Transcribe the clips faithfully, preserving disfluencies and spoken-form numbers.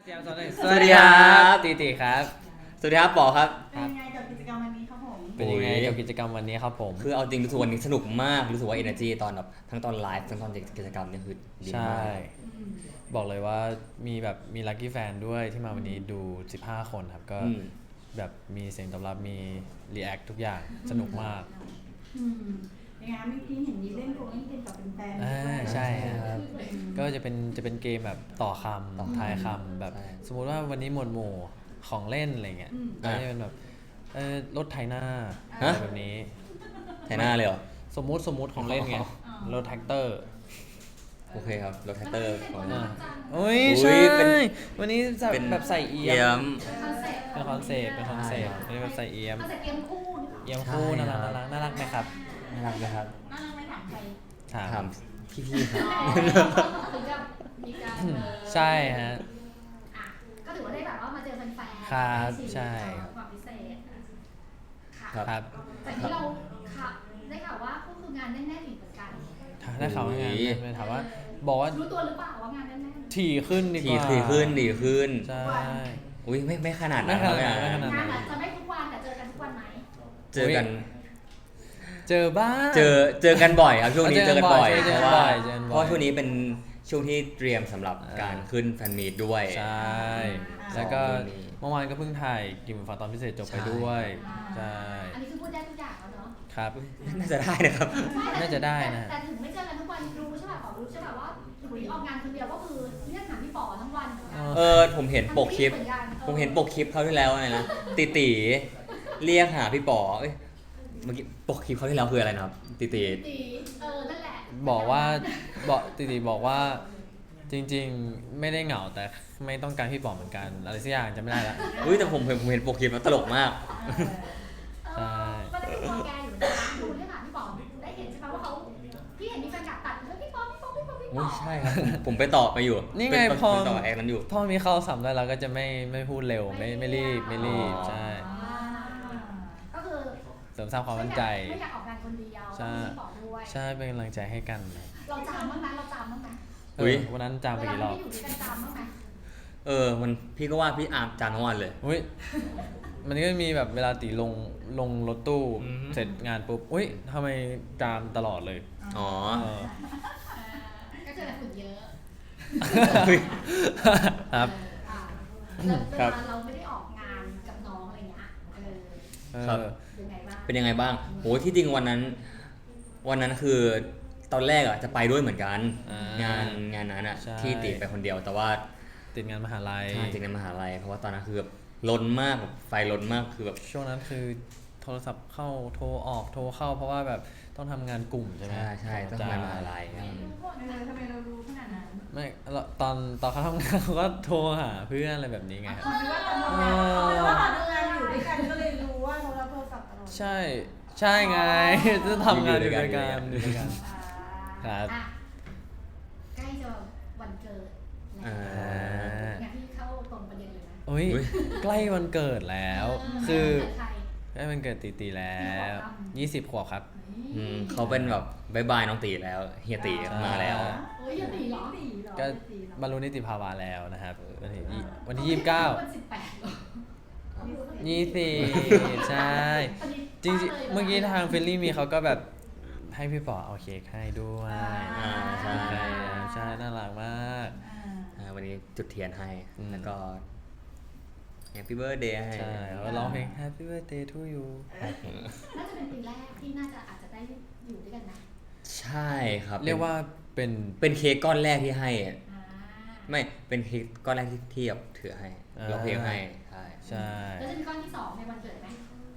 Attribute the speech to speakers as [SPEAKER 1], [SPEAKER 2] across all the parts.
[SPEAKER 1] เจียมสวัสดีสวัสดีครับตีตีครับ
[SPEAKER 2] สวัสดีครับปอครับ
[SPEAKER 3] เป็นยังไงกับกิจกรรมวันนี้ครับผม
[SPEAKER 1] เป็นยังไงกับกิจกรรมวันนี้ครับผม
[SPEAKER 2] คือเอาจริงรู้สึกวันนี้สนุกมากรู้สึกว่า energy ตอนแบบทั้งตอนไลฟ์ทั้งตอนกิจกรรมเนี่ยคือดีมาก
[SPEAKER 1] ใช่บอกเลยว่ามีแบบมีลัคกี้แฟนด้วยที่มาวันนี้ดูสิบห้าคนครับก็แบบมีเสียงตอบรับมีรีแอคทุกอย่างสนุกมาก
[SPEAKER 3] ยังไงเมื่อกี้เห็นมีเล่นโกงเล่นเกมกับแฟนๆ
[SPEAKER 1] อ่าใช่ครับก็จะเป็นจะเป็นเกมแบบต่อคำทายคำแบบสมมุติว่าวันนี้หมวดหมู่ของเล่นอะไรเงี้ยก็จะเป็นแบบเออรถไถนาอะไรแบบนี้
[SPEAKER 2] ไถนาเลยเหรอ
[SPEAKER 1] สมมุติสมมุติของเล่นไงรถแท็กเตอร์
[SPEAKER 2] โอเคครับรถแท็กเตอร์ของ
[SPEAKER 1] อ่าโอ้ยใช่วันนี้แบบใส่เอี๊ยมเป็นคอนเซปต์เป็นคอนเซปต์เป็นแบบใส่เอี๊ยม
[SPEAKER 4] เอี๊ยมคู่
[SPEAKER 1] เอี๊ยมคู่น่ารักน่ารักน่ารักไหมครับ
[SPEAKER 2] น่ารักนะครับ
[SPEAKER 4] น่ารักไหมถามใคร
[SPEAKER 2] ถามพี่ๆครับ
[SPEAKER 4] ถึงจะมีการ
[SPEAKER 1] ใช่ฮะ
[SPEAKER 4] ก็ถือว่าได้แบบว่ามาเจอแฟนๆ
[SPEAKER 1] ครับใช่
[SPEAKER 4] ความพิเศษ
[SPEAKER 1] ครับ
[SPEAKER 4] แต่ที่เราได้ข่าวว่าก็คืองานแน่นๆอีกเหมือนกัน
[SPEAKER 1] ได้ข่าวว่างานถามว่าบอกว่า
[SPEAKER 4] รู้ตัวหรือเปล่าว่างานแน่น
[SPEAKER 1] ๆถี่ขึ้นดีกว่า
[SPEAKER 2] ถี่ขึ้นดีขึ้น
[SPEAKER 1] ใช่
[SPEAKER 2] อุ้ยไม่ไม่ขนาดนั้น
[SPEAKER 1] ไม่ขนาดไม่ขนาด
[SPEAKER 4] นั้นจะไม่ทุกวันแต่เจอกันทุกวันไหม
[SPEAKER 2] เจอกัน
[SPEAKER 1] เจอบ้าง
[SPEAKER 2] เจอเจอกันบ่อยครับช่วงนี้เจอกันบ่อยเพราะว่าเพราะช่วงนี้เป็นช่วงที่เตรียมสำหรับการขึ้นแฟนมีตด้วย
[SPEAKER 1] ใช่แล้วก็เมื่อวานก็เพิ่งถ่ายกิมฟังตอนพิเศษจบไปด้วยใช่
[SPEAKER 4] อันนี้คือพูดได้ทุกอย่างแล้วเนาะ
[SPEAKER 1] ครับ
[SPEAKER 2] น่าจะได้นะครับ
[SPEAKER 1] น่าจะได้นะ
[SPEAKER 4] แต่ถึงไม่เจอกันทุกวันรู้ใช่ป่ะขอรู้ใช่ป่ะว่าถึงออกงานคนเดียวก็คือเรียกหาพี่ป๋อทั้งวัน
[SPEAKER 2] เออผมเห็นปกคลิปผมเห็นปกคลิปเขาที่แล้วไงนะติตีเรียกหาพี่ป๋อเอ้ยเมื่อกี้ปกคลิปเขาที่แล้วคืออะไรนะครับติตี
[SPEAKER 4] เออนั่นแหละ
[SPEAKER 1] บอกว่าบอกติตีบอกว่าจริงๆไม่ได้เหงาแต่ไม่ต้องการพี่ป๋อเหมือนกันอะไรสักอย่างจะไม่ได้ละ
[SPEAKER 2] อุ้ยแต่ผมผมเห็นปกคลิปแล้วตลกมาก
[SPEAKER 4] ใช่ก็ได้ดูแกอยู่นะดูเรื่องหาพี่ป๋อได้เห็นใช่ไหมว่าเขาพี่เห็นมีแฟนคลับตัดแล้วพี่ป๋อพี่ป๋อพี่ป๋อพี่ป๋อ
[SPEAKER 2] ใช่ครับผมไปต่อไปอยู่
[SPEAKER 1] นี่ไงพอ
[SPEAKER 2] ต่อแอคนั้นอยู่
[SPEAKER 1] พอมีเข้าสัมได้เราก็จะไม่ไม่พูดเร็วไม่ไม่รีบไม่รีบใช่
[SPEAKER 4] ก็คือ
[SPEAKER 1] เสริมสร้างความมั่นใจ
[SPEAKER 4] ไม่อยากออกงานคนเดียว
[SPEAKER 1] ใช่ใช่เป็นกำลังใจให้กัน
[SPEAKER 4] เราจามบ้างไหมเราจามบ้างไหม
[SPEAKER 1] เฮ้ยวันนั้นจามไปกี่รอบ
[SPEAKER 2] เออมันพี่ก็ว่าพี่อาบจามทั้งวันเลย
[SPEAKER 1] อุ้ยมันก็มีแบบเวลาตีลงลงรถตู้เสร็จงานปุ๊บอุ้ยทำไมจามตลอดเลย
[SPEAKER 2] อ๋อ
[SPEAKER 4] ก็เจอแต่ฝุ่นเยอะ
[SPEAKER 1] ครับ
[SPEAKER 4] ครับเราไม่ได้ออกงานกับน้องอะไรเงี้ย
[SPEAKER 2] ครับเป็นยังไงบ้างโหที่จริงวันนั้นวันนั้นคือตอนแรกอ่ะจะไปด้วยเหมือนกันงานงานนั้นอ่ะที่ติดไปคนเดียวแต่ว่า
[SPEAKER 1] ติดงานมหาลัย
[SPEAKER 2] ติดงานมหาลัยเพราะว่าตอนนั้นคือแบบล้นมากแบบไฟล้นมากคือแบบ
[SPEAKER 1] ช่วงนั้นคือโทรศัพท์เข้าโทรออกโทรเข้าเพราะว่าแบบต้องทำงานกลุ่มใช่ไหม
[SPEAKER 2] ใช่ใช่ต้องทำงานมหาลัย
[SPEAKER 3] ทำไมเรารู้ขนาดนั้น
[SPEAKER 1] ไม่ตอนตอนเขาทำงานเขาก็โทรหาเพื่อนอะไรแบบนี้ไง
[SPEAKER 3] ครับว่าทำงานอยู่ด้วยกันก็เลยรู้ว่าเรารับโทรศัพท์ตลอด
[SPEAKER 1] ใช่ใช่ไงจะทำงานอยู่ด้วยกันอยู่ด้วยกันครับ
[SPEAKER 4] ใกล้จะวันเกิดแล้วงานที่เข้าตรงประเด็นเลยนะ
[SPEAKER 1] โอ้ยใกล้วันเกิดแล้วคือใกล้วันเกิดตีตีแล้วยี่สิบขวบครับ
[SPEAKER 2] เขาเป็นแบบบายบายน้องตีแล้วเฮียตีมาแล้ว
[SPEAKER 4] โอ้ยเฮียตีเหรอ
[SPEAKER 1] ก็บรรลุนิติภาวะแล้วนะครับวันที่วันที่ยี่สิบเก้ายี่สิบใช่จริงๆเมื่อกี้ทางเฟลลี่มีเขาก็แบบให้พี่ป๋อเอาเค้กให้ด้วย
[SPEAKER 2] อ่าใช่
[SPEAKER 1] ใช่น่ารักมาก
[SPEAKER 2] วันนี้จุดเทียนให้แล้วก็ Happy Birthday ให้
[SPEAKER 1] ใช่แล้วร้องเพลง Happy Birthday to you
[SPEAKER 4] น่าจะเป็นปีแรกที่น่าจะอาจจะได้อยู่ด้วยกันนะ
[SPEAKER 2] ใช่ครับ
[SPEAKER 1] เรียกว่าเป็น
[SPEAKER 2] เป็นเค้กก้อนแรกที่ให้ไม่เป็นเค้กก้อนแรกที่เทียบถือให้ร้องเพลงให้ใช่
[SPEAKER 1] ใช่
[SPEAKER 4] แล้วจะมีก้อนที่สองในวันเกิดไหม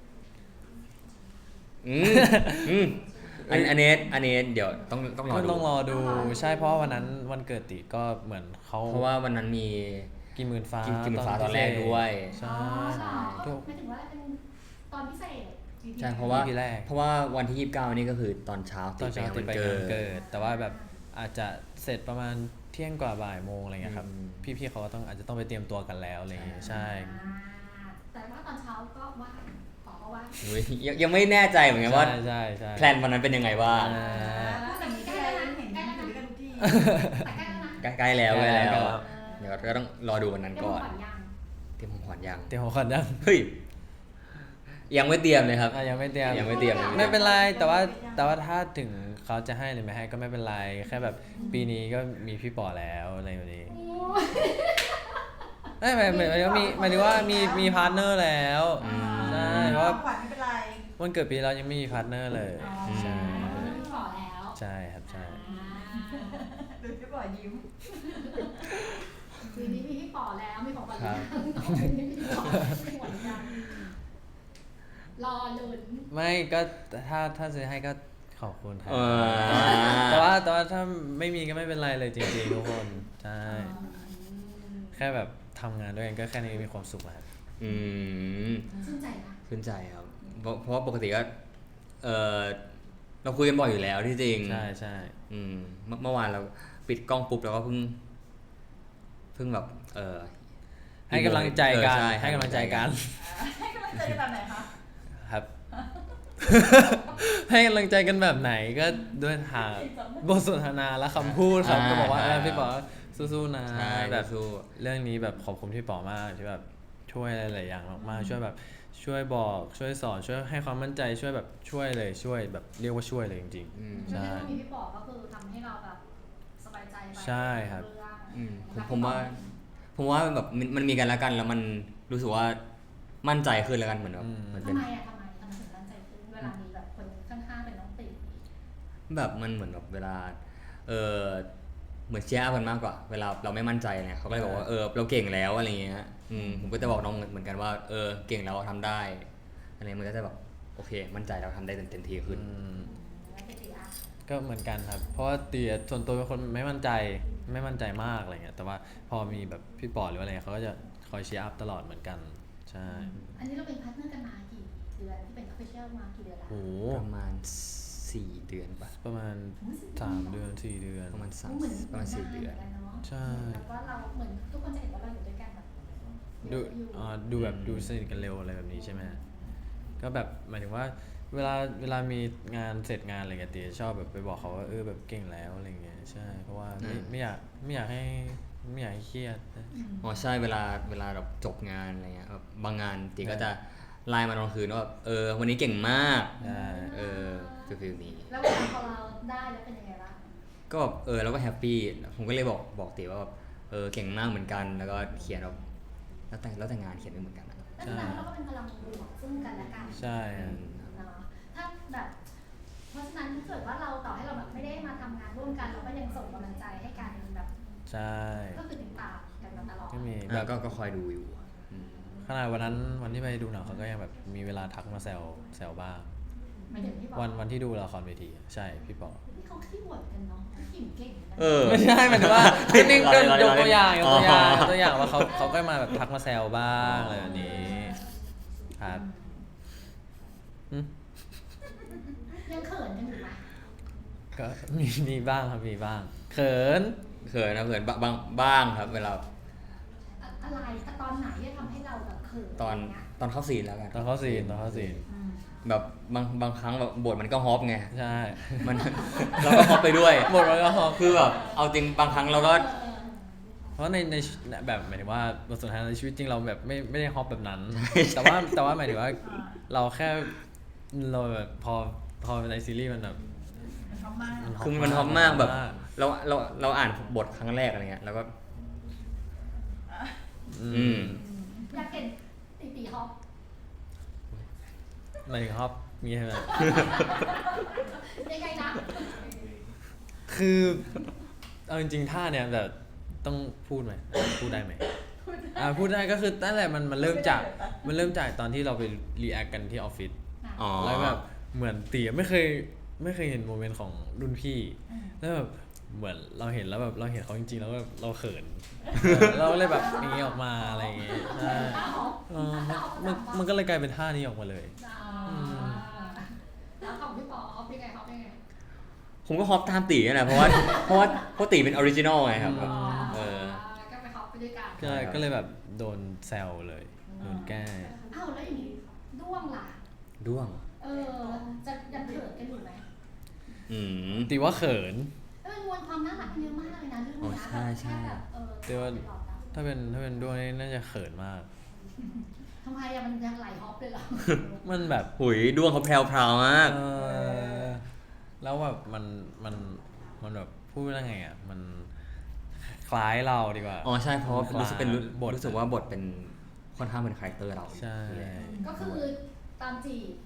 [SPEAKER 2] อืมอืมอันอันนี้อันนี้เดี๋ยวต้องต้องรอดู
[SPEAKER 1] ต้องรอดูใช่เพราะวันนั้นวันเกิดติก็เหมือนเขา
[SPEAKER 2] เพราะว่าวันนั้นมี
[SPEAKER 1] กินหมื่นฟ้า
[SPEAKER 2] กินหมื่นฟ้าตอนแรกด้วย
[SPEAKER 1] ใช่
[SPEAKER 4] ถูกหมายถึงว่าเป็นตอนพิเศษ
[SPEAKER 2] ใช่เพราะว่าเพราะว่าวันที่ยี่สิบเก้านี่ก็คือตอนเช้า
[SPEAKER 1] ตอนเช้าติดไปเกิดแต่ว่าแบบอาจจะเสร็จประมาณเที่ยงกว่าบ่ายโมงอะไรเงี้ยครับพี่ๆเขาก็ต้องอาจจะต้องไปเตรียมตัวกันแล้วอะไรอย่างเงี้ยใช่
[SPEAKER 4] แต่ว่าตอนเช้าก็ว่าขอว่า
[SPEAKER 2] ยังยังไม่แน่ใจเหมือนกันว่า
[SPEAKER 1] ใช่ใช่
[SPEAKER 2] แพลนวันนั้นเป็นยังไงบ้าง
[SPEAKER 4] แต่ใกล้แล้วนะเห็นอยู่ด้วยกันทุกที่
[SPEAKER 2] ใกล้แล้วใกล้แล้วเดี๋ยวก็ต้องรอดูวันนั้น
[SPEAKER 4] เตรียม
[SPEAKER 2] ก่อน
[SPEAKER 4] ขวัญยัง
[SPEAKER 2] เตรียมของขวัญยัง
[SPEAKER 1] เตรียมของขวัญยัง
[SPEAKER 2] เฮ้ยยังไม่เตรียมเลยครับ
[SPEAKER 1] อ่ะยังไม่เตรียม
[SPEAKER 2] ยังไม่เตรียม
[SPEAKER 1] ไม่เป็นไรแต่ว่าแต่ว่าถ้าถึงเขาจะให้หรือไม่ให้ก็ไม่เป็นไรแค่แบบปีนี้ก็มีพี่ป๋อแล้วอะไรแบบนี้ไม่หมายหมายหมายถึงว่ามีหมายถึงว่ามีมีพาร์ทเนอร์แล้ว
[SPEAKER 2] อืม
[SPEAKER 1] ใช่เพราะว่า
[SPEAKER 3] ขวัญไม่เป็นไร
[SPEAKER 1] วันเกิดปีเรายังไม่มีพาร์ทเนอร์เลย
[SPEAKER 3] อ๋อ
[SPEAKER 1] ใช่
[SPEAKER 4] พี่ป๋อแล้ว
[SPEAKER 1] ใช่ครับใช่
[SPEAKER 3] ดูพี่บอยยิ้ม
[SPEAKER 4] ปีนี้มีพี่ป๋อแล้วมีของขวัญ
[SPEAKER 1] ครั
[SPEAKER 4] ยั
[SPEAKER 1] บ
[SPEAKER 4] งปีนี้มีพี่ป๋อมีของขวัญยังรอลุ้น
[SPEAKER 1] ไม่ก็ถ้าถ้าซื้อให้ก็ขอบคุณครับ
[SPEAKER 2] เออ
[SPEAKER 1] แต่ว่าแต่ว่าถ้าไม่มีก็ไม่เป็นไรเลยจริงๆทุกคนใช่ แค่แบบทำงานด้วยกันก็แค่นี้มีความสุขแล้วครับ
[SPEAKER 2] อืม
[SPEAKER 4] ชื่นใจนะ
[SPEAKER 2] ขึ้นใจครับเพราะเพราะว่าปกติก็เออเราคุยกันบ่อยอยู่แล้วที่จริง
[SPEAKER 1] ใช่ใช่
[SPEAKER 2] อืมเมื่อเมื่อวานเราปิดกล้องปุ๊บเราก็เพิ่งเพิ่งแบบเออ
[SPEAKER 1] ให้กำลังใจกัน
[SPEAKER 2] เออช่
[SPEAKER 1] ให้กำลังใจกัน
[SPEAKER 3] ให้กำลังใจแบบไหนคะ
[SPEAKER 1] ครับ ให้กำลังใจกันแบบไหนก็ด้วยทางบทสนทนาและคำพูดครับก็บอกว่าเออพี่ป๋อสู้ๆนะ
[SPEAKER 2] ใช่
[SPEAKER 1] แบบ
[SPEAKER 2] สู้
[SPEAKER 1] เรื่องนี้แบบขอบคุณพี่ป๋อมากที่แบบช่วยหลายๆอย่างมากๆช่วยแบบช่วยบอกช่วยสอนช่วยให้ความมั่นใจช่วยแบบช่วยเลยช่วยแบบเรียกว่าช่วยเลยจริง
[SPEAKER 2] อืม
[SPEAKER 1] ใช่
[SPEAKER 4] ไม่ได้มีพี่ป๋อก็คือทำให้เราแบบสบายใจไป
[SPEAKER 1] ใช่ครับ
[SPEAKER 4] เอง
[SPEAKER 2] อืมผมผมว่า ผมว่าแบบมันมันมีกันแล้วกันแล้วมันรู้สึกว่ามั่นใจขึ้นแล้วกันเหมือนแบบ
[SPEAKER 1] อืม
[SPEAKER 2] มันเป็
[SPEAKER 4] ทำ
[SPEAKER 2] น
[SPEAKER 4] ไมอะทำไมทำไมถึงมั่นใจขึ้นเวลามีแบบคนข้างๆเป็นน้องตี
[SPEAKER 2] แบบมันเหมือนแบบเวลาเออเหมือนเชียร์อัพกันมากกว่า เวลาเราไม่มั่นใจเนี่ยเขาก็เลยบอกว่าเออเราเก่งแล้วอะไรเงี้ยอืมผมก็จะบอกน้องเหมือนกันว่าเออเก่งแล้วทำได้อะไรมันก็จะแบบโอเค มั่นใจเราทำได้เต็มที่ขึ้น
[SPEAKER 1] อืม
[SPEAKER 4] แล้วพี่ตีอะ
[SPEAKER 1] ก็เหมือนกันครับ เพราะว่าตีอะส่วนตัวเป็นคนไม่มั่นใจไม่มั่นใจมากอะไรเงี้ยแต่ว่าพอมีแบบพี่ป๋อหรือว่าอะไรเงี้ยเขาก็จะคอยเชียร์อัพตลอดเหมือนกันใช่
[SPEAKER 4] อันนี้เราเป็นพาร์ทเนอร์กันมากี่เดือนที่เป็นออฟฟิเชียลมากี่เดือนละ
[SPEAKER 1] โห
[SPEAKER 2] ประมาณสี่เดือนปะ
[SPEAKER 1] ประมาณสามเดือนสี่เดือน
[SPEAKER 2] ประมาณสาม
[SPEAKER 4] เหมือน
[SPEAKER 2] ประมาณสี่เดือน
[SPEAKER 4] หมืกัเนาะ
[SPEAKER 1] ใช่
[SPEAKER 4] แล้วก็เราเหมือนทุกคนจะเห็นว่าเราอยู่ด้วยกันแบบ
[SPEAKER 1] ดู
[SPEAKER 4] อยู่
[SPEAKER 1] อ่าดูแบบดูสนิทกันเร็วอะไรแบบนี้ใช่ไหมก็แบบหมายถึงว่าเวลาเวลามีงานเสร็จงานอะไรเงี้ยตีชอบแบบไปบอกเขาว่าเออแบบเก่งแล้วอะไรเงี้ยใช่เพราะว่าไม่
[SPEAKER 2] อืม
[SPEAKER 1] ไม่อยากไม่อยากให้ไม่อยากให้เครียด
[SPEAKER 2] อ๋อใช่เวลาเวลาแบบจบงานอะไรเงี้ยแบบบางงานตีก็จะไลน์มาตอนคืนว่าแบบเออวันนี้เก่งมาก
[SPEAKER 1] ใช่
[SPEAKER 2] เออฟิลฟิลนี้
[SPEAKER 4] แล้วเวลาพอเราได้แล้วเป็นยังไงบ้าง
[SPEAKER 2] ก็แบบเออเราก็แฮปปี้ผมก็เลยบอกบอกตีว่าแบบเออเก่งมากเหมือนกัน แล้วก็เขียนแบบแล้วแต่แล้วแต่งานเขียนไม่เหมือนกันนะ
[SPEAKER 4] แล้วแสดงว่าเราก็เป็นพลังบวกซึ่งกันและกัน
[SPEAKER 1] ใช่
[SPEAKER 2] อื
[SPEAKER 1] ครับ
[SPEAKER 2] ม
[SPEAKER 4] เนาะถ้าแบบ เพราะฉะนั้นถ้าเกิดว่าเราต่อให้เราแบบไม่ได้มาทำงานร่วมกัน เราก็ยังส่งกำลังใจให้กันแบบ
[SPEAKER 1] ใช่
[SPEAKER 4] ก็คือติดตามกันมาตลอด
[SPEAKER 1] ก็มีแบ
[SPEAKER 2] แล้ว
[SPEAKER 1] บ
[SPEAKER 2] ก็ก็คอยดูอยู่อืม
[SPEAKER 1] ขนาดวันนั้นวันที่ไปดูหนังเขาก็ยังแบบมีเวลาทักมาแซวแซวบ้าง
[SPEAKER 4] ไม่ถึงที่บอก
[SPEAKER 1] วันวันที่ดูละครเวทีใช่พี่ป๋อ
[SPEAKER 4] นี่เขาขี้บ่นกันเนาะขี้เก่งนะ
[SPEAKER 2] เออ
[SPEAKER 1] ไม่ใช่หมายถึงว่าก็นี่ก็
[SPEAKER 2] รอเล่น
[SPEAKER 1] ยกตัวอย่างยกตัวอย่าง
[SPEAKER 2] อ๋อ
[SPEAKER 1] ยกตัวอย่างว่าเขาเขาก็มาแบบทักมาแซวบ้างอะไรแบบนี้ครับอืม
[SPEAKER 4] ยังเขินกันอยู่ไหม
[SPEAKER 1] ก็มีมีบ้างครับมีบ้าง เขิน
[SPEAKER 2] เขินนะเขินบางบางบ้างครับ เวลา
[SPEAKER 4] อะอะไรตอนไหนที่ทำให้เราแบบเขิน
[SPEAKER 2] ตอน
[SPEAKER 4] ะไรเงี้ย
[SPEAKER 2] ตอนเข้าซีนแล้วกัน
[SPEAKER 1] ตอนเข้าซีนตอนเข้าซีน
[SPEAKER 4] อืม
[SPEAKER 2] แบบบางบางครั้งแบบบทมันก็ฮอปไง
[SPEAKER 1] ใช่
[SPEAKER 2] มัน เราก็ฮอปไปด้วย
[SPEAKER 1] หมดแล้วก็ฮอป
[SPEAKER 2] คือแบบเอาจริงบางครั้งเราก็
[SPEAKER 4] เออเออ
[SPEAKER 1] เพราะในในแบบหมายถึงว่าบทสนทนาในชีวิตจริงเราแบบไม่ไม่ได้ฮอปแบบนั้น แต่ว่าแต่ว่าหมายถึงว่าเราแค่เราแบบพอพอในซีรีส์มันแบบ
[SPEAKER 3] มันชอบมาก
[SPEAKER 1] มันฮอป
[SPEAKER 2] คือมันฮอปมากแบบ
[SPEAKER 1] มาก
[SPEAKER 2] เราเราเราอ่านบทครั้งแรกอะไรเงี้ยแล้วก็
[SPEAKER 1] อื
[SPEAKER 2] อื
[SPEAKER 1] ม
[SPEAKER 2] ม
[SPEAKER 4] อยากเห็นตีตีฮอป
[SPEAKER 1] หมายถึงฮอปมีใช่ไหม
[SPEAKER 4] ยังไงนะ
[SPEAKER 1] คือเอาจริงๆท่าเนี่ยแบบต้องพูดไหมพูดได้ไหมอ่าพูดได้ก็คือตั้งแต่มันมันเริ่มจากมันเริ่มจากตอนที่เราไปรีแอคกันที่ออฟฟิศ
[SPEAKER 2] อ๋อ
[SPEAKER 1] แล้วแบบเหมือนตีไม่เคยไม่เคยเห็นโมเมนต์ของรุ่นพี่แล้วแบบเหมือนเราเห็นแล้วแบบเราเห็นเขาจริงๆแล้วแบบเราเขินเราก็เลยแบบอย่างนี้ออกมาอะไรอย่างเงี้ยใช่
[SPEAKER 4] ท่าฮอป
[SPEAKER 1] เออมันมันมันก็เลยกลายเป็นท่านี้ออกมาเลย
[SPEAKER 4] อ่าแล้วของพี่ปอฮอปยังไงฮอปยังไง
[SPEAKER 2] ผมก็ฮอปตามตีนั่นแหละเพราะว่าเพราะว่าเพราะตีเป็นออริจินอลไงครับแบบ เออ
[SPEAKER 4] ก็ไปฮอปไปด้วยกัน
[SPEAKER 1] ก็เลยก็เลยแบบโดนแซวเลยโดนแกล้ง
[SPEAKER 4] อ้าวแล้วอย่างนี้ด้วงล่ะ
[SPEAKER 2] ด้วง
[SPEAKER 4] เออ จะยังเขินกันอยู่ไหม
[SPEAKER 2] อืม
[SPEAKER 1] ตีว่าเขิน
[SPEAKER 4] เออมวลความน่ารักเยอะมากเลยนะเรื่อง
[SPEAKER 2] อ๋อ
[SPEAKER 4] นี้
[SPEAKER 2] ใช่ใช่
[SPEAKER 4] แบบเออ
[SPEAKER 1] แต่ว่า
[SPEAKER 4] ไปหลอกเรา
[SPEAKER 1] ถ้าเป็นถ้าเป็นด้วงนี่น่าจะเขินมาก
[SPEAKER 4] ทำไมอะมันยังไหลฮอปเลยเหรอ
[SPEAKER 1] มันแบบ
[SPEAKER 2] หุยดวงเขาแพรวพราวมาก
[SPEAKER 1] เออแล้วแบบมันมันมันแบบพูดว่าไงอ่ะมันคล้ายเราดีกว่า
[SPEAKER 2] อ๋อใช่เพราะว่ารู้สึกเป็นรู้
[SPEAKER 1] บท
[SPEAKER 2] รู้สึกว่าบทเป็นค่อนข้างเป็นคาแรคเตอร์เรา
[SPEAKER 1] ใช่
[SPEAKER 2] อยู่แล้ว
[SPEAKER 4] ก็คือตามจีบ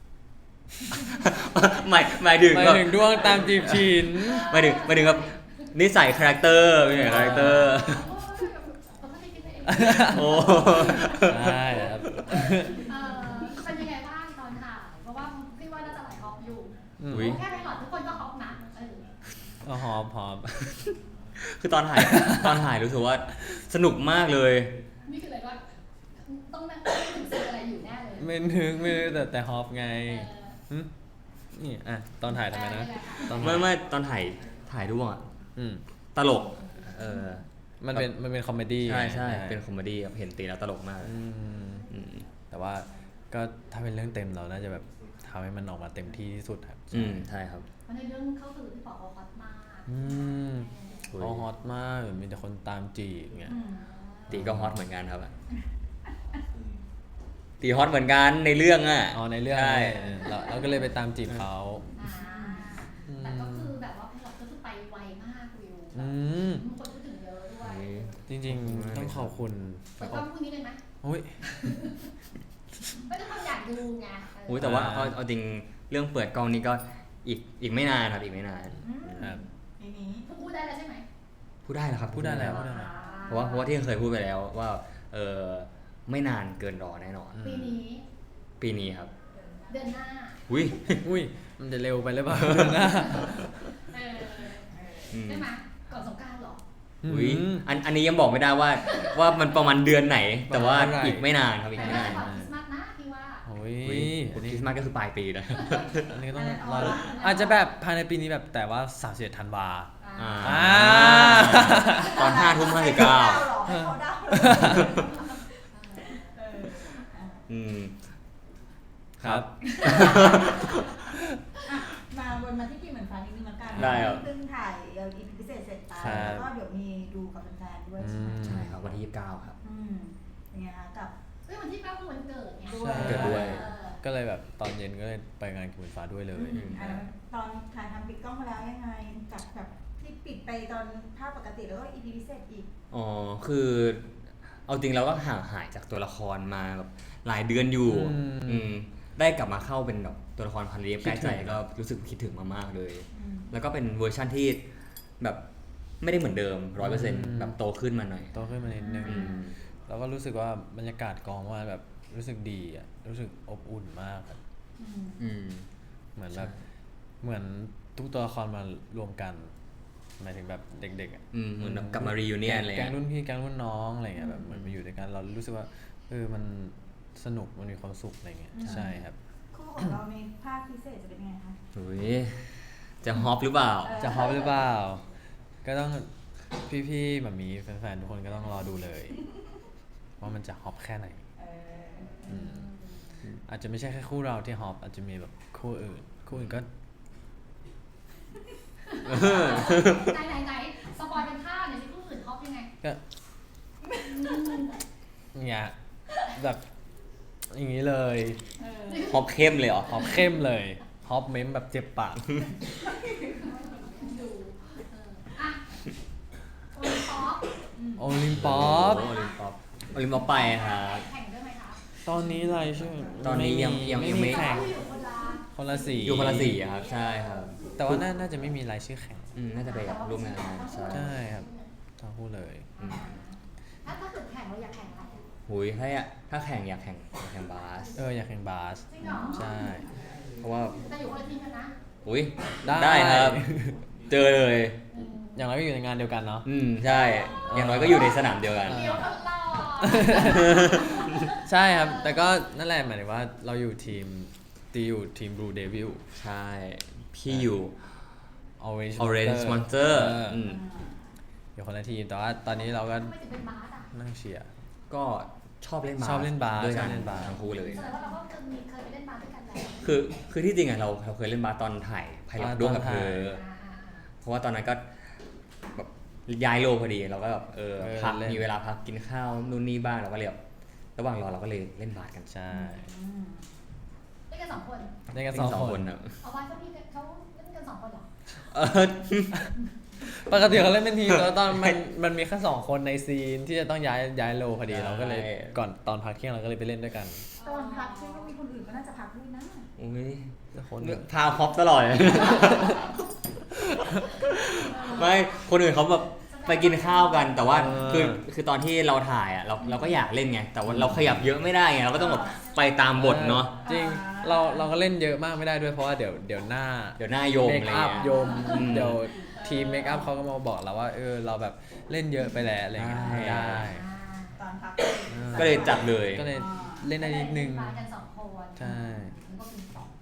[SPEAKER 2] หมายหมายถึง
[SPEAKER 1] หมาย
[SPEAKER 2] แบบ
[SPEAKER 1] ถึงด้วงตามจีบฉิน
[SPEAKER 2] หมายถึงหมายถึงแบบนิสัยคาแรคเตอร์เป็นไงคาแรคเตอร์
[SPEAKER 4] เราไม่ได้คิดไปเอง
[SPEAKER 2] โอ้
[SPEAKER 1] ใช่ครับ
[SPEAKER 4] เออเป็นยังไงบ้างตอนถ่ายเพราะว่าพี่ว่าน่าจะไหลฮอปอยู่
[SPEAKER 1] อืม
[SPEAKER 2] อุ๊ย
[SPEAKER 4] แค่ไพลอตทุกคนก็ฮอปนะเออ
[SPEAKER 1] ก็หอมหอม
[SPEAKER 2] คือตอนถ่าย ตอนถ่ายรู้สึกว่าสนุกมากเลย
[SPEAKER 4] นี่คืออะไรก็ต้องนั่งถึงซีนอะไรอยู่แน่เลย
[SPEAKER 1] ไม่นึกไม่นึกแต่แต่ฮอปไง
[SPEAKER 4] เออ
[SPEAKER 1] หึนี่อ่ะตอนถ่ายทำไมนะตอนถ่า
[SPEAKER 2] ไม่
[SPEAKER 1] ย
[SPEAKER 2] ไม่ตอนถ่ายถ่ายด้วงอะ
[SPEAKER 1] อืม
[SPEAKER 2] ตลก เออ
[SPEAKER 1] มันเป็นมันเป็นคอมเมดี้
[SPEAKER 2] ใช่ใช่
[SPEAKER 1] ไง
[SPEAKER 2] เป็นคอมเมดี้แบบเห็นตีแล้วตลกมาก
[SPEAKER 1] อืม
[SPEAKER 2] อืม
[SPEAKER 1] แต่ว่าก็ถ้าเป็นเรื่องเต็มเราน่าจะแบบทำให้มันออกมาเต็มที่ที่สุดครับ
[SPEAKER 2] อืมใช่ครับ
[SPEAKER 4] เพราะในเรื่องเข้าสู่พี่ปอเขาฮอตมาก
[SPEAKER 1] อืม
[SPEAKER 2] อุ๊ย
[SPEAKER 1] เขาฮอตมากแบบมีแต่คนตามจีบเงี้ย
[SPEAKER 3] อืม
[SPEAKER 2] ตีก็ฮอตเหมือนกันครับอะตีฮอตเหมือนกันในเรื่องอ่ะ
[SPEAKER 1] อ๋อในเรื่อง
[SPEAKER 2] ใช่
[SPEAKER 1] เออเราเราก็เลยไปตามจีบเขา
[SPEAKER 4] อ่าแต่ก็คือแบบว่าไพลอตก็คือไปไวมากวิว
[SPEAKER 1] อืม
[SPEAKER 4] มีคนพูดถึงเยอะด้วย
[SPEAKER 1] จริงๆ ต้องขอบคุณ
[SPEAKER 4] เปิดกล้องพรุ่งนี้เลยไหม
[SPEAKER 1] โอ้ย
[SPEAKER 4] ไม่ได้คนอยากดูไงเ
[SPEAKER 2] อุ้ยแต่ว่า
[SPEAKER 1] อ่า
[SPEAKER 2] เอาเอาจริงเรื่องเปิดกล้องนี่ก็อีกอีกไม่นานครับอีกไม่นาน
[SPEAKER 3] อืม
[SPEAKER 1] ครับ
[SPEAKER 3] ทีนี้
[SPEAKER 4] พูดได้แล้วใช่ไหม
[SPEAKER 2] พูดได้แล้วครับ
[SPEAKER 1] พูดได้แล้ว
[SPEAKER 2] พู
[SPEAKER 1] พูดได้แล้ว
[SPEAKER 2] เพราะว่าเพราะว่าที่เคยพูดไปแล้วว่าเออไม่นานเกินรอแน่นอน
[SPEAKER 4] ปีนี้
[SPEAKER 2] ปีนี้ครับ
[SPEAKER 4] เดือนหน้า
[SPEAKER 2] อุ้ย
[SPEAKER 1] อุ้ยมันจะเร็วไปหรือเปล่าเดือนหน้า
[SPEAKER 4] เออ
[SPEAKER 2] อืม
[SPEAKER 4] ใช่ไหมก่อนสงกรานต์เหรอ
[SPEAKER 2] อุ้ย
[SPEAKER 1] ม
[SPEAKER 2] อันอันนี้ยังบอกไม่ได้ว่าว่ามันประมาณเดือนไหน แต่ว่า
[SPEAKER 1] เมื่อไหร่
[SPEAKER 2] อีกไม่นานครับอีก
[SPEAKER 4] แต่
[SPEAKER 2] ไม่
[SPEAKER 4] น่าจะ
[SPEAKER 2] นาน
[SPEAKER 4] ก่อนคริสต์มาสนะพี่ว่า
[SPEAKER 1] โอ้ย
[SPEAKER 2] อุ้ย
[SPEAKER 1] อัน
[SPEAKER 2] ค
[SPEAKER 1] นี้
[SPEAKER 2] ริสต์มาสก็คือปลายปีนะ
[SPEAKER 1] อันนี้ก็ต้องรอดูอาจจะแบบภายในปีนี้แบบแต่ว่าสามสิบเอ็ดธันวา
[SPEAKER 2] อ่า
[SPEAKER 1] อ่า
[SPEAKER 2] ตอนห้าทุ่มห้าสิบเก้า
[SPEAKER 3] ให้เขาเดาเหรอเอออ่ะ
[SPEAKER 2] อืม
[SPEAKER 1] ครับ
[SPEAKER 3] อ่ะมาวนมาที่ปีเหมือนฟ้านิดนึงละกัน
[SPEAKER 2] ได้ครับ
[SPEAKER 3] เพิ่งถ่ายเอ่อ อี พี พิเศษเสร็จไป
[SPEAKER 1] ครับ
[SPEAKER 3] แล้วก็เดี๋ยวมีดูกับแฟนๆด้วยใช่ไหม
[SPEAKER 1] อืม
[SPEAKER 2] ใช่ครับวันที่ยี่สิบเก้าครับ
[SPEAKER 3] อืมเป็นไงคะกับ
[SPEAKER 4] เฮ้ยวันที่เก้าคือวันเกิดไง
[SPEAKER 3] ด้วย
[SPEAKER 2] เกิดด้วย
[SPEAKER 4] เออ
[SPEAKER 1] ก็เลยแบบตอนเย็นก็เลยไปงานกินฟ้าด้วยเลย
[SPEAKER 3] อืมอันนั้นตอนถ่ายทำปิดกล้องมาแล้วยังไงกับแบบที่ปิดไปตอนภาพปกติแล้วก็ อี พี พิเศษอีก
[SPEAKER 2] อ๋อ คือ เอาจริงเราก็ห่างหายจากตัวละครมาแบบหลายเดือนอยู่
[SPEAKER 1] อืม
[SPEAKER 2] อืมได้กลับมาเข้าเป็นแบบตัวละครพันเรียบ
[SPEAKER 1] คิ
[SPEAKER 2] ใก
[SPEAKER 1] ด
[SPEAKER 2] ล้
[SPEAKER 1] ถึ
[SPEAKER 2] ใจ
[SPEAKER 1] ง
[SPEAKER 2] ก็รู้สึกคิดถึงมากๆเลย
[SPEAKER 3] อืม
[SPEAKER 2] แล้วก็เป็นเวอร์ชั่นที่แบบไม่ได้เหมือนเดิมร้อยเปอร์เซ็นต์
[SPEAKER 1] อืม
[SPEAKER 2] แบบโตขึ้นมาหน่อย
[SPEAKER 1] โตขึ้นมานิดนึง
[SPEAKER 2] อืม
[SPEAKER 1] แล้วก็รู้สึกว่าบรรยากาศกองว่าแบบรู้สึกดีอ่ะรู้สึกอบอุ่นมากครับ
[SPEAKER 3] อืม
[SPEAKER 2] อืม
[SPEAKER 1] เหมือนแบบเหมือนทุกตัวละครมารวมกันหมายถึงแบบเด็กๆอ่ะ
[SPEAKER 2] อืมเหมือนแบบกลับมา reunion อะไร
[SPEAKER 1] แก๊
[SPEAKER 2] เงี้
[SPEAKER 1] ง
[SPEAKER 2] ย
[SPEAKER 1] รุ่นพี่แก๊งรุ่นน้องอะไรเงี้ยแบบเหมือนมาอยู่ด้วยกันเรารู้สึกว่าเออมันสนุกมันมีความสุขอะไรเงี้ยใช่ครับ
[SPEAKER 3] คู่ของเราในภาคพิเศษจะเป็นยังไงคะ
[SPEAKER 2] อุ้ยจะฮอปหรือเปล่า
[SPEAKER 3] เออ
[SPEAKER 1] จะฮอปหรือเปล่า ก็ต้องพี่ๆแบบมีแฟนๆทุกคนก็ต้องรอดูเลย ว่ามันจะฮอปแค่ไหน
[SPEAKER 3] เออ
[SPEAKER 1] อืมอาจจะไม่ใช่แค่คู่เราที่ฮอปอาจจะมีแบบคู่อื่น คู่อื่นก็
[SPEAKER 4] ไหนไหนไหนสปอยเป็นท่าหน่อยสิผู้อื่นฮอปยังไง
[SPEAKER 1] ก็เนี่ยแบบอย่างนี้เลย
[SPEAKER 3] เออ
[SPEAKER 2] ฮอปเข้มเลยเหรอ
[SPEAKER 1] ฮอปเข้มเลยฮอปเม้มแบบเจ็บปาก
[SPEAKER 4] ดูเอออ่ะโอ้ยฮอป
[SPEAKER 1] โอลิมปอป
[SPEAKER 2] โอลิมปอปโอลิมปอปไปครับ
[SPEAKER 4] แข่งด้วยไหมคะ
[SPEAKER 1] ตอนนี้อะไรชื่อ
[SPEAKER 2] ตอนนี้ยังยังยังไม่
[SPEAKER 1] แข่ง
[SPEAKER 4] เขาอยู่คนละ
[SPEAKER 1] คนละสี
[SPEAKER 2] อยู่คนละสีอะครับ ใช่ครับ
[SPEAKER 1] แต่ว่าน่าน่าจะไม่มีรายชื่อแข่ง
[SPEAKER 2] อืมน่าจะไปแบบร่วมงานใช่
[SPEAKER 1] ใช่ครับทั้งคู่เลย
[SPEAKER 2] อืม
[SPEAKER 4] ถ้าถ้าเกิดแข่งเราอยากแข่งอะไรอะ
[SPEAKER 2] หุยถ้าอยากถ้าแข่งอยากแข่งอยากแข่งบาส
[SPEAKER 1] เอออยากแข่งบาส
[SPEAKER 4] จริงเหรอ
[SPEAKER 1] ใช่
[SPEAKER 2] เพราะว่า
[SPEAKER 4] แต่อยู่คนละทีมกันนะ
[SPEAKER 2] อุ้ย
[SPEAKER 1] ได้
[SPEAKER 2] ครับ เจอเลย
[SPEAKER 4] อืม
[SPEAKER 1] อย่างไรก็อยู่ในงานเดียวกันเนาะ
[SPEAKER 2] อืมใช่ อย่างน้อยก็อยู่ในสนามเดียวกัน
[SPEAKER 4] เดี๋ยวคนรอ
[SPEAKER 1] ใช่ครับ แต่ก็นั่นแหละหมายถึงว่าเราอยู่ทีมตีอยู่ทีม Blue Devil
[SPEAKER 2] ใช่ พี่อยู่
[SPEAKER 1] Orange
[SPEAKER 2] Orange
[SPEAKER 1] Monster
[SPEAKER 2] Monster
[SPEAKER 1] เอออ
[SPEAKER 2] อืม
[SPEAKER 1] อยู่คนละทีมแต่ว่าตอนนี้เราก็
[SPEAKER 4] ทำไมถึงเป็นบาสอ่ะ
[SPEAKER 1] นั่งเชียร์
[SPEAKER 2] ก็ชอบเล่นบาส
[SPEAKER 1] ชอบเล่นบาส
[SPEAKER 2] ด้วย
[SPEAKER 1] ช
[SPEAKER 2] กั
[SPEAKER 1] อน บเล่นบาส
[SPEAKER 2] ทั้งคู่เลย
[SPEAKER 4] แสดงว่าเราก็เคยมีเคยไปเล่นบาสด้วยกันแล้ว
[SPEAKER 2] คือคือที่จริงอะเราเราเคยเล่นบาสตอนถ่ายไพลอต
[SPEAKER 1] อ่า
[SPEAKER 2] ร่วมกับ
[SPEAKER 1] ตอน
[SPEAKER 2] เธ
[SPEAKER 1] ถ่าย
[SPEAKER 2] อ
[SPEAKER 4] อ่าอ่าอ่า
[SPEAKER 2] เพราะว่าตอนนั้นก็แบบย้ายโลพอดีเราก็แบบเออ
[SPEAKER 1] เออ
[SPEAKER 2] พัก
[SPEAKER 1] เล่น
[SPEAKER 2] มีเวลาพักกินข้าวนู่นนี่บ้างเราก็เลยแบบระหว่างรอเราก็เลยเล่นบาสกัน
[SPEAKER 1] ใช่
[SPEAKER 3] อืม
[SPEAKER 4] เล่นกันสองคน
[SPEAKER 1] เล่นกัน
[SPEAKER 2] เล่
[SPEAKER 1] สอง
[SPEAKER 2] สอง
[SPEAKER 1] ค
[SPEAKER 2] คน นครับ
[SPEAKER 4] เอาไว้เขาพี่เขาเล่นกันสองคนเหรอ
[SPEAKER 2] เออ
[SPEAKER 1] ปกติเขาเล่นเป็นทีมแล้วตอนมันมันมีแค่สองคนในซีนที่จะต้องย้ายย้ายโลพอดีเราก็เลยก่อนตอนพักเที่ยงเราก็เลยไปเล่นด้วยกัน
[SPEAKER 3] ตอนพักที่ว่ามีคนอื่นก็น่าจะพักด้วยนะ
[SPEAKER 2] อุ้ย
[SPEAKER 1] คน
[SPEAKER 2] พาฮอปตลอดเลย ไม่คนอื่นเขาแบบไปกินข้าวกัน แต่ว่าคือคือตอนที่เราถ่ายอ่ะเราเราก็อยากเล่นไงแต่ว่าเราขยับเยอะไม่ได้ไงเราก็ต้องแบบไปตามบทเนาะ
[SPEAKER 1] จริงเราเราก็เล่นเยอะมากไม่ได้ด้วยเพราะว่าเดี๋ยวเดี๋ยวหน้า
[SPEAKER 2] เดี๋ยวหน้าโยม
[SPEAKER 1] เมค
[SPEAKER 2] อะไร
[SPEAKER 1] อัพ
[SPEAKER 2] เงี้ย
[SPEAKER 1] โยม
[SPEAKER 2] อืม
[SPEAKER 1] เดี๋ยวทีมเมคอัพเขาก็มาบอกเราว่าเออเราแบบเล่นเยอะไปแล้วอะไรเงี้ย
[SPEAKER 2] ใช่
[SPEAKER 1] ได้
[SPEAKER 3] ตอนพัก
[SPEAKER 2] ก็เลยจัดเลย
[SPEAKER 1] ก็เลยเล่นได้นิดนึง
[SPEAKER 4] มากันสองคน
[SPEAKER 1] ใช่
[SPEAKER 4] มันก็เป็นสอง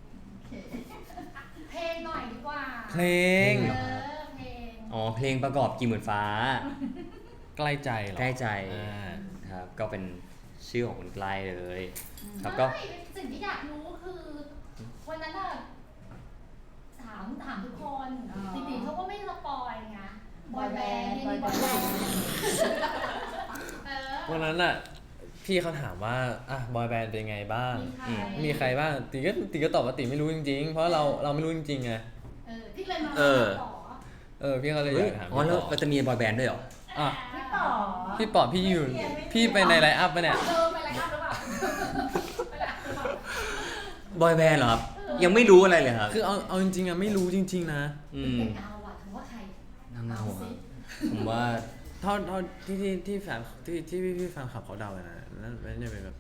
[SPEAKER 4] เพลงหน่อยดีกว่า
[SPEAKER 1] เพลง
[SPEAKER 4] เออเพลง
[SPEAKER 2] อ๋อเพลงประกอบกี่หมื่นฟ้า
[SPEAKER 1] ใกล้ใจเหรอ
[SPEAKER 2] ใกล้ใจ
[SPEAKER 1] อ่า
[SPEAKER 2] ครับก็เป็นชื่อของคุณใกล้เลย ครับก็
[SPEAKER 4] ไม่สิ่งที่อยากรู้คือ วันนั้นอะถามถามทุกคนจริงๆเขาก็ไม่สปอยไงบอยแบนด์นี่มีบอยแบนด์เออ
[SPEAKER 1] วันนั้นอ่ะพี่เขาถามว่าอ่ะบอยแบนด์เป็นไงบ้าง
[SPEAKER 4] มีใคร
[SPEAKER 1] มีใครบ้างตีก็ตีก็ตอบว่าตีไม่รู้จริงๆ เพราะเราเราไม่รู้จริงๆไง
[SPEAKER 4] เออพี่เลยมา
[SPEAKER 2] เออ
[SPEAKER 4] ขอ
[SPEAKER 1] เออพี่เขาเลยอ
[SPEAKER 2] เฮ้ย
[SPEAKER 1] ยากถาม
[SPEAKER 2] อ๋อ
[SPEAKER 1] พี่
[SPEAKER 2] แล้ว
[SPEAKER 1] ปอ
[SPEAKER 2] เราจะมีบอยแบนด์ด้วยเหรอ
[SPEAKER 1] อ่ะ
[SPEAKER 3] พี่ป๋อ
[SPEAKER 1] พี่ปอบพี่อยู่พี่ไปในไลฟ์อัพปะเนี่ย
[SPEAKER 4] เออไปรายการหรือเปล่าไปรายการหรือเปล่า
[SPEAKER 2] บอยแบนด์เหรอครับ ยังไม่รู้อะไรเลยครับ
[SPEAKER 1] คือเอาเอาจริงๆอ่ะไม่รู้จริง ๆ นะ
[SPEAKER 2] อืม
[SPEAKER 4] เป็นเงาอ่ะถือว่าใคร
[SPEAKER 2] นางเงาครับผมว่า
[SPEAKER 1] เท่าเท่าที่ที่ที่แฟนที่ที่พี่พี่แฟนคลับเขาเดากันนะนั่นนั่นจะเป็นแบบ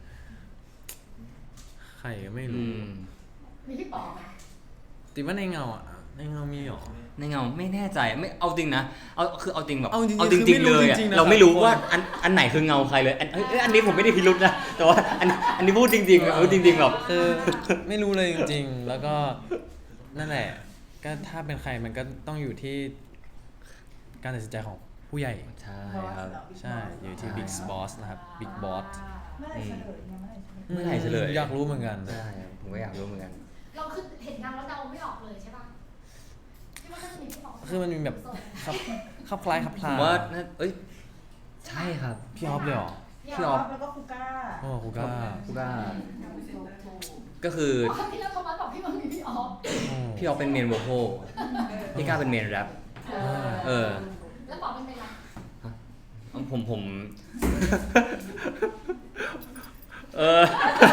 [SPEAKER 1] ใครก็ไม่
[SPEAKER 2] อื
[SPEAKER 1] รู้
[SPEAKER 2] ม
[SPEAKER 4] มีพี่ป๋อไหม
[SPEAKER 1] ตีว่าในเงาอ่ะในเงามีหรอ
[SPEAKER 2] ในเงาไม่แน่ใจไม่เอาจริงนะเอาคือเอาจริงแบบ
[SPEAKER 1] เอาจริงๆ
[SPEAKER 2] เอาจริง
[SPEAKER 1] คือไม่
[SPEAKER 2] ๆ
[SPEAKER 1] รู้
[SPEAKER 2] เลยอะ
[SPEAKER 1] จริงๆนะ
[SPEAKER 2] เราไม่รู้
[SPEAKER 1] ครับ
[SPEAKER 2] ว่าอันอันไหนคือเงาใครเลยอันเอ้ยเอ้ยอันนี้ผมไม่ได้พิรุษนะแต่ว่าอันอันนี้พูดจริงๆพูดจริงๆแบบ
[SPEAKER 1] คือไม่รู้เลยจริงๆ แล้วก็นั่นแหละ ก็ถ้าเป็นใครมันก็ต้องอยู่ที่การตัดสินใจของผู้ใหญ่
[SPEAKER 2] ใช่ครับ
[SPEAKER 1] ใช่ อยู่ที่
[SPEAKER 2] ใช่
[SPEAKER 1] Big Boss นะครับ Big Boss
[SPEAKER 3] เมื่อไหร่เฉลยเนี่ยเมื่อไหร่เฉลย
[SPEAKER 2] เมื่อไหร่เฉลย
[SPEAKER 1] อยากรู้เหมือนกัน
[SPEAKER 2] ใช่ผมก็อยากรู้เหมือนกัน
[SPEAKER 4] เราคือเห็นเงาแล้วเดาไม่ออกเลยใช่ป่ะที่ว่าถ้าจะมีพี่ป๋อ
[SPEAKER 1] คือมันมีแบบครับครับคล้ายครับค
[SPEAKER 2] ผ
[SPEAKER 1] ลาม
[SPEAKER 2] ว่าน่าเอ้ยใช่ครับ
[SPEAKER 1] พี่ออฟเลยเหรอ
[SPEAKER 2] พี่ออฟ
[SPEAKER 3] แล้วก็คูก้า
[SPEAKER 1] โอ้ครูก้า
[SPEAKER 2] กูก้าก็คือ
[SPEAKER 4] อ๋อครั้งที่แล้วโทมัสบอกพี่มันมีพี่ออฟ
[SPEAKER 1] โอ้
[SPEAKER 2] พี่ออฟเป็นเมนโวโคลพี่ก้าเป็นเมนแรปเออ
[SPEAKER 4] แล้วป๋อเป็นใคร
[SPEAKER 2] ผมผม เออ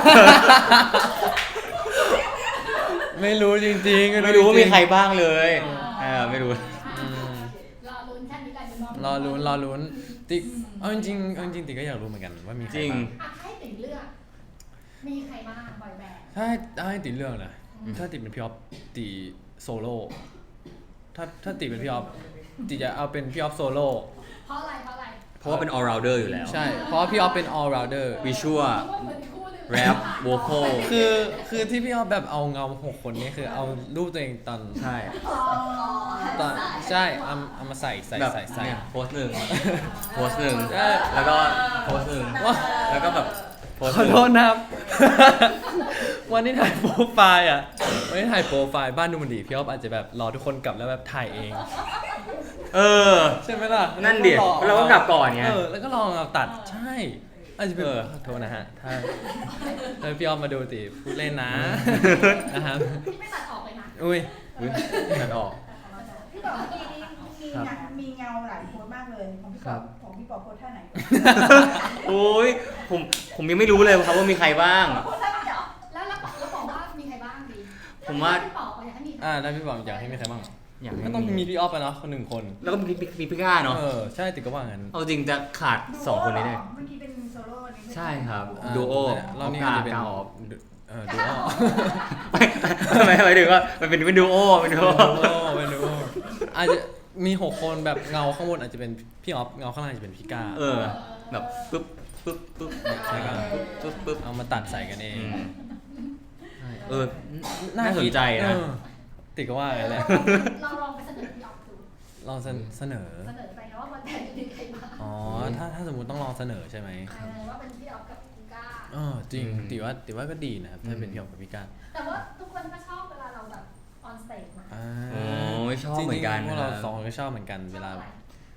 [SPEAKER 1] ไม่รู้จริงๆ
[SPEAKER 2] ไม่รู้ว่ามีใคร
[SPEAKER 1] จง
[SPEAKER 2] บ้างเลยเออไม่รู้
[SPEAKER 1] ๆอืม
[SPEAKER 4] รอลุ้นแค่นี้กันเดี๋ยว
[SPEAKER 1] รอลุ้นรอลุ้นติ๊กเอาจริงๆเอาจริงๆติ๊กก็อยากรู้เหมือนกันว่ามีใคร
[SPEAKER 2] จริง
[SPEAKER 1] บ้าง
[SPEAKER 4] อ่ะให้ติ่งเลือกมีใครบ้างบอยแบนด์
[SPEAKER 1] ถ้าให้ถ้าให้ติดเรื่องนะถ้าติดเป็นพี่ออฟติโซโล่ถ้าถ้าติดเป็นพี่ออฟติจะเอาเป็นพี่ออฟโซโล่
[SPEAKER 4] เพราะอะไรเพราะอะไร
[SPEAKER 2] เพราะว่าเป็น all rounder อยู่แล้ว
[SPEAKER 1] ใช่ เพราะว่าพี่ออฟเป็น all rounder
[SPEAKER 2] วิชวล
[SPEAKER 4] เพราะว่าเหมือนคู่หนึง
[SPEAKER 2] แรปโวคอล
[SPEAKER 1] คือคือที่พี่ออฟแบบเอาเงาหกคนนี้คือเอารูปตัวเองตอน
[SPEAKER 2] ใช่
[SPEAKER 3] อ๋อ
[SPEAKER 1] ตอนใช่เอาเอามาใส่ใส่
[SPEAKER 2] แบบ
[SPEAKER 1] ใส่ใส่
[SPEAKER 2] เนี่ยโพสต์หนึ่งโพสต์หนึ่ง
[SPEAKER 1] ใช่
[SPEAKER 2] แล้วก็โพสต์หนึ่ง
[SPEAKER 1] ว่า
[SPEAKER 2] แล้วก็แบบโพสต์
[SPEAKER 1] ข
[SPEAKER 2] ห
[SPEAKER 1] อ
[SPEAKER 2] นึ่ง
[SPEAKER 1] โทษนะครับ วันที่ถ่ายโปรไฟล์อ่ะวันที่ถ่ายโปรไฟล์บ้านดูมันดีพี่ออฟอาจจะแบบรอทุกคนกลับแล้วแบบถ่ายเอง
[SPEAKER 2] เออ
[SPEAKER 1] ใช่ไหมล่ะ
[SPEAKER 2] นั่นดิ
[SPEAKER 1] แล้ว
[SPEAKER 2] เราก็กลับก่อนไง
[SPEAKER 1] เออแล้วก็ลองเอาตัดใช่อาจจะเป็น
[SPEAKER 2] เออ
[SPEAKER 1] ขอโทษนะฮะถ้าถ้าพี่ออฟมาดูติพูดเล่นนะ นะครับ
[SPEAKER 4] ที่ไม่ตัดออกเลยนะ
[SPEAKER 1] อุ้ย
[SPEAKER 2] อุ๊ยตัดออก
[SPEAKER 3] พี่ป๋อเมื่อกี้นี้มีหนักมีเงาหลายโพสต์มากเลยของพี่
[SPEAKER 2] ครั
[SPEAKER 3] ป๋อบ ของพี่ป๋อโพสต์ท่าไหน
[SPEAKER 2] โอ้ยผมผมยังไม่รู้เลยครับว่ามีใครบ้าง
[SPEAKER 3] โพสต์ท่าไหนเหรอ
[SPEAKER 4] แล้วแล้วบอกแล้วบอกว่ามีใครบ้างดี
[SPEAKER 2] ผมว่า
[SPEAKER 4] พี่ป๋ออยากให้มีใคร
[SPEAKER 1] อ่าแล้วพี่บอกอยากให้มีใครบ้าง
[SPEAKER 2] อยากให้
[SPEAKER 1] ก็ต้องมีพี่ออฟไปเนาะคนหนึ่งคน
[SPEAKER 2] แล้วก็มีพี่มีพี่ก้าเนาะ
[SPEAKER 1] เออใช่ติดก็ว่างั้น
[SPEAKER 2] เอาจริงจะขาดสองคนนี้เลย
[SPEAKER 3] เมื่อกี้เป็นโซโล่อันนี้
[SPEAKER 2] ใช่ครับ
[SPEAKER 1] อ่า
[SPEAKER 2] ดูโอ
[SPEAKER 1] รอบนี้
[SPEAKER 2] กา
[SPEAKER 1] อาจจะเป็น
[SPEAKER 2] กาออฟ
[SPEAKER 1] เออดูโอ
[SPEAKER 2] ไม่ไม่หมายถึงว่ามันเป็นเป็นดูโอเป็นดูโอ
[SPEAKER 1] เป็นดูโอเป็นดูโออาจจะมีหกคนแบบเงาข้างบนอาจจะเป็นพี่ออฟเงาข้างล่างอาจจะเป็นพี่ก้า
[SPEAKER 2] เออแบบปึ๊บปึ๊บปึ๊บ
[SPEAKER 1] ใช่ครับ
[SPEAKER 2] ปึ๊บปึ๊บปึ๊บ
[SPEAKER 1] เอามาตัดใส่กันเอง
[SPEAKER 2] อืมใช่เออน่าสนใจนะ
[SPEAKER 1] เออติดก็ว่ากันแหละ
[SPEAKER 4] เราลองไปเสนอพี่ออฟดู
[SPEAKER 1] ลองเสนเสนอ
[SPEAKER 4] เสนอไปนะว่าวันแทนจะมีใครบ้าง
[SPEAKER 1] อ๋อถ้าถ้าสมมติต้องลองเสนอใช่ไหม
[SPEAKER 4] เออว่าเป็นพี่ออฟกับคุณก้า
[SPEAKER 1] เออจริง
[SPEAKER 2] อืม
[SPEAKER 1] ติว่าติว่าก็ดีนะครับถ้าเป็น
[SPEAKER 2] อืม
[SPEAKER 1] พี่ออฟกับพี่ก้า
[SPEAKER 4] แต่ว่าทุกคนก็ชอบเวลาเราแบบออนสเตจมา
[SPEAKER 1] อ่า
[SPEAKER 2] โอ้ยชอบเหมือนกัน
[SPEAKER 1] จริงๆพวกเรา
[SPEAKER 2] นะครับ
[SPEAKER 1] สองคนก็ชอบเหมือนกันเวลา
[SPEAKER 4] ชอบอะไร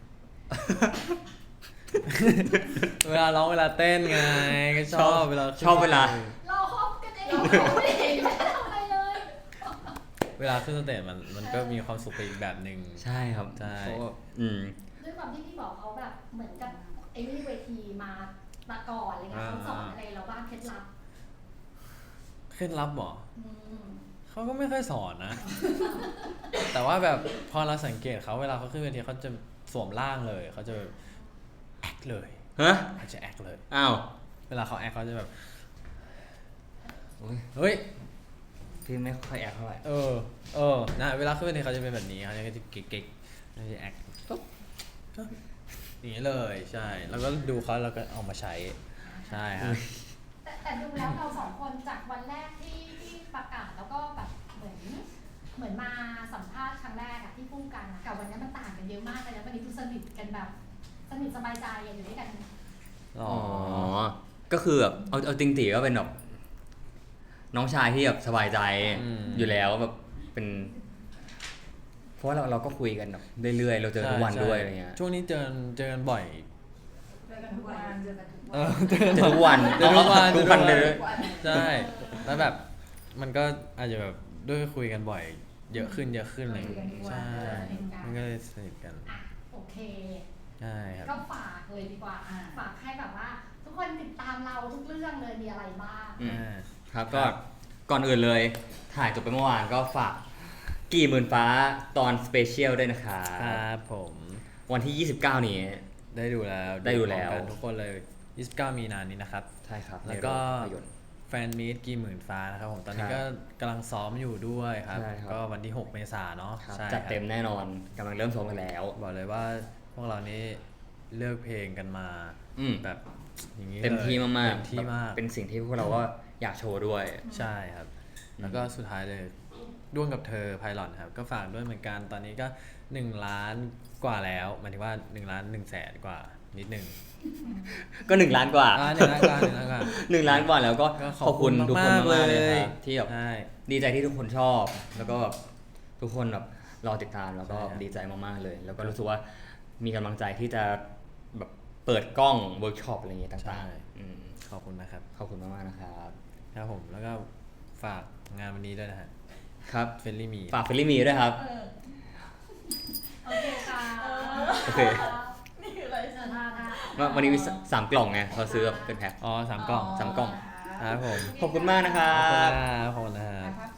[SPEAKER 1] เวลาร้องเวลาเต้นไงก็ชอบเวลาขึ้น
[SPEAKER 2] ชอบเวลา
[SPEAKER 4] เราคบกันเองเราไม่เห็นไม่ทำอะไรเลย
[SPEAKER 1] เวลาขึ้นสเตจมันมันก็มีความสุขไปอีกแบบหนึ่ง
[SPEAKER 2] ใช่ครับ
[SPEAKER 1] ใช่
[SPEAKER 2] เพราะว่าอืม
[SPEAKER 4] ด้วยความที่พี่บอกเขาแบบเหมือนกับไอ้นี่เวทีมามาก่อนอะไรเงี้ยเขาสอนอะไรเราบ้างเคล็ดลับ
[SPEAKER 1] เคล็ดลับเหรอ
[SPEAKER 4] อืม
[SPEAKER 1] เขาก็ไม่ค่อยสอนนะ แต่ว่าแบบพอเราสังเกตเขาเวลาเขาขึ้นเวทีเขาจะสวมร่างเลยเขาจะแอคเลย
[SPEAKER 2] ฮะ
[SPEAKER 1] เขาจะแอคเลย
[SPEAKER 2] อ้าว
[SPEAKER 1] เวลาเขาแอคเขาจะแบบ
[SPEAKER 2] โอ้ย
[SPEAKER 1] เฮ้ย
[SPEAKER 2] พี่ไม่ค่อยแอคเท่าไหร่
[SPEAKER 1] เออ เออ นะ เวลาขึ้นเวทีเขาจะเป็นแบบนี้เขาจะเก๊กๆเขาจะแอคปุ๊บปุ๊บอย่างนี้เลย ใช่ แล้วก็ดูเขาแล้วก็เอามาใช้ ใช่ครับ
[SPEAKER 4] แต่แต่ดูแล้วเราสองคนจากวันแรกที่ที่ประกาศแล้วก็แบบเหมือนเหมือนมาสัมภาษณ์ครั้งแรกอะที่พูดกันอะกับวันนี้มันต่างกันเยอะมากเลยนะวันนี้ดูสนิทกันแบบสนิทสบายใจอะอยู่ด้วยกัน
[SPEAKER 1] อ๋อ
[SPEAKER 2] อ๋อ ก็คือแบบเอาเอาจริงๆก็เป็นแบบน้องชายที่แบบสบายใจ
[SPEAKER 1] อืม
[SPEAKER 2] อยู่แล้วแบบเป็น เพราะว่าเราเราก็คุยกันแบบเรื่อยๆ เราเจอทุกวัน
[SPEAKER 1] ใช่
[SPEAKER 2] ด้วย
[SPEAKER 1] ใช่
[SPEAKER 2] อะไรเงี้ย
[SPEAKER 1] ช่วงนี้เจอเจอกันบ่อย
[SPEAKER 3] เจอกันทุกวันเจอกันทุก
[SPEAKER 1] เอ
[SPEAKER 3] วั
[SPEAKER 1] อน เจอกัน
[SPEAKER 2] เจอทุกวัน
[SPEAKER 1] เจอทุกวัน
[SPEAKER 2] ทุกวัน
[SPEAKER 1] เจอ
[SPEAKER 2] เล
[SPEAKER 1] ทุ
[SPEAKER 2] ย
[SPEAKER 1] กวัน ใช่ แล้วแบบมันก็อาจจะแบบด้วยคุยกันบ่อย เยอะขึ้นเยอะขึ้นอะไรอย่างเงี้ยใช่ มันก็เลยสนิทกัน
[SPEAKER 4] อ่ะโอเค
[SPEAKER 1] ใช่ครับ
[SPEAKER 4] ก็ฝากเลยดีกว่าอ่ะฝากให้แบบว่า ทุกคนติดตามเราทุกเรื่องเลยมีอะไรบ้าง
[SPEAKER 2] อืม
[SPEAKER 1] อ่า
[SPEAKER 2] ครับก็ก่อนอื่นเลย ถ่ายจบไปเมื่อวานก็ฝากกี่หมื่นฟ้าตอนสเปเชียลด้วยนะคะ
[SPEAKER 1] ครับผม
[SPEAKER 2] วันที่ ยี่สิบเก้า นี้
[SPEAKER 1] ได้ดูแล้ว
[SPEAKER 2] ได้ดูแล้ว
[SPEAKER 1] พร้อมกันทุกคนเลย ยี่สิบเก้า มีนานี้นะครับ
[SPEAKER 2] ใช่ครับ
[SPEAKER 1] แล้วก็
[SPEAKER 2] ในโรงภาพยนตร์
[SPEAKER 1] แฟนมีตกี่หมื่นฟ้านะครับผมตอนนี้
[SPEAKER 2] ครับ
[SPEAKER 1] ก็กำลังซ้อมอยู่ด้วยครับ
[SPEAKER 2] ใช่ครับ
[SPEAKER 1] ก็วันที่ หก เมษายนเนาะ
[SPEAKER 2] ครับ
[SPEAKER 1] ใช่
[SPEAKER 2] จัดเต็ม
[SPEAKER 1] ครับ
[SPEAKER 2] แน่นอนกำลังเริ่มซ้อมกันแล้ว
[SPEAKER 1] บอกเลยว่าพวกเรานี่เลือกเพลงกันมา
[SPEAKER 2] อืม
[SPEAKER 1] แบบอย่างนี้
[SPEAKER 2] เต็มที่
[SPEAKER 1] ลย
[SPEAKER 2] มากๆ
[SPEAKER 1] เต็มที่มาก
[SPEAKER 2] แบบเป็นสิ่งที่พวกเราก็อยากโชว์ด้วย
[SPEAKER 1] ใช่ครับ แล้วก็สุดท้ายเลยด้วงกับเธอไพลอตครับ ก็ฝากด้วยเหมือนกันตอนนี้ก็ หนึ่ง ล้านกว่าแล้วหมายถึงว่า หนึ่ง ล้าน หนึ่ง แสนกว่านิดหนึ่ง
[SPEAKER 2] ก็หนึ่งล้านกว่า
[SPEAKER 1] อ่าหนึ่งล้านกว่าหนึ่งล้านกว่า
[SPEAKER 2] หนึ่งล้านกว่าแล้วก็
[SPEAKER 1] ก็
[SPEAKER 2] ขอบคุณทุกคนมากๆเลยครับที่แบบ
[SPEAKER 1] ใช่
[SPEAKER 2] ดีใจที่ทุกคนชอบ แล้วก็แบบทุกคนแบบรอติดตามแล้วก็
[SPEAKER 1] ใช่ครับ
[SPEAKER 2] ดีใจมากๆเลย แล้วก็รู้สึกว่ามีกำลังใจที่จะแบบเปิดกล้องเวิร์กช็อปอะไรอย่างเงี้ย
[SPEAKER 1] ใช่
[SPEAKER 2] ต่างๆอืม
[SPEAKER 1] ขอบคุณนะครับ
[SPEAKER 2] ขอบคุณมากๆนะครับ
[SPEAKER 1] ครับผมแล้วก็ฝากงานวันนี้ด้วยนะฮะ
[SPEAKER 2] ครับ
[SPEAKER 1] เฟลลี่มี
[SPEAKER 2] ฝากเฟลลี่มีด้วยครับ
[SPEAKER 3] เออ
[SPEAKER 4] โอเคค่ะ
[SPEAKER 2] โอเค
[SPEAKER 3] นี่คืออะไร
[SPEAKER 4] เออท่าท่า
[SPEAKER 2] ว่าวันนี้มีสามกล่องไงเขาซื้อแบบเป็นแพ็ค
[SPEAKER 1] อ๋อสามกล่อง
[SPEAKER 2] สามกล่อง
[SPEAKER 1] ครับผม
[SPEAKER 2] ขอบคุณมากนะครั
[SPEAKER 1] ขอบคุณ
[SPEAKER 2] บ
[SPEAKER 1] นะครับขอบคุณนะครับ
[SPEAKER 3] ภาพ